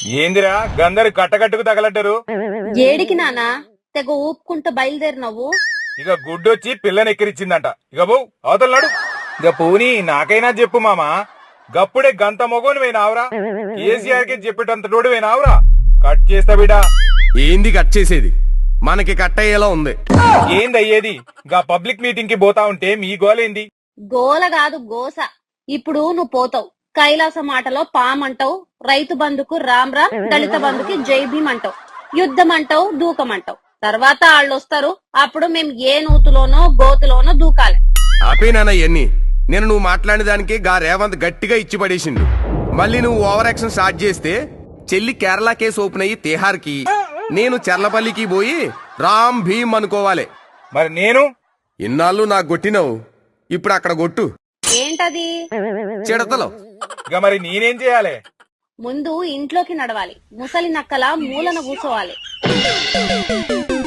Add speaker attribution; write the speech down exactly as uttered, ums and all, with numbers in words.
Speaker 1: ఏందిరా గందరు కట్టకట్టుకు తగలడ్డరు.
Speaker 2: ఏడికి నానా తెగ ఊపుకుంటూ బయలుదేరినవ్వు.
Speaker 1: ఇక గుడ్డొచ్చి పిల్లని ఎక్కిరిచ్చిందంట. ఇక బో అవతలనాడు. ఇక పోనీ నాకైనా చెప్పు మామా, గప్పుడే గంత మొగోని పోయినావురా, కేసీఆర్ కి చెప్పేటంత తోడు పోయినావురా. కట్ చేస్తా బిడా.
Speaker 3: ఏంది కట్ చేసేది? మనకి కట్ అయ్యేలా ఉంది.
Speaker 1: ఏంది అయ్యేది? గా పబ్లిక్ మీటింగ్ కి పోతా ఉంటే మీ గోలేంది?
Speaker 2: గోల కాదు గోస. ఇప్పుడు నువ్వు పోతావు, కైలాస మాటలో పామంటావు, రైతు బంధుకు రామ్ రామ్, దళిత బంధుకి జై భీమ్ అంటావు, యుద్ధం అంటావు, దూకమంటావు. తర్వాత వాళ్ళు వస్తారు, అప్పుడు మేం ఏ నూతులోనో గోతులోనో దూకాలి.
Speaker 3: ఆపేనానా ఇవన్నీ? నేను నువ్వు మాట్లాడిన దానికి గా రేవంత్ గట్టిగా ఇచ్చి పడేసిండు. మళ్ళీ నువ్వు ఓవర్ యాక్షన్ స్టార్ట్ చేస్తే చెల్లి కేరళ కేసు ఓపెన్ అయ్యి తిహార్కి, నేను చర్లపల్లికి పోయి రామ్ భీమ్ అనుకోవాలి.
Speaker 1: మరి నేను
Speaker 3: ఇన్నాళ్ళు నాకు కొట్టినావు, ఇప్పుడు అక్కడ కొట్టు.
Speaker 2: ఏంటది?
Speaker 3: చిడతలో.
Speaker 1: ఇక మరి నేనేం చేయాలి?
Speaker 2: ముందు ఇంట్లోకి నడవాలి, ముసలి నక్కల మూలన కూసోవాలి.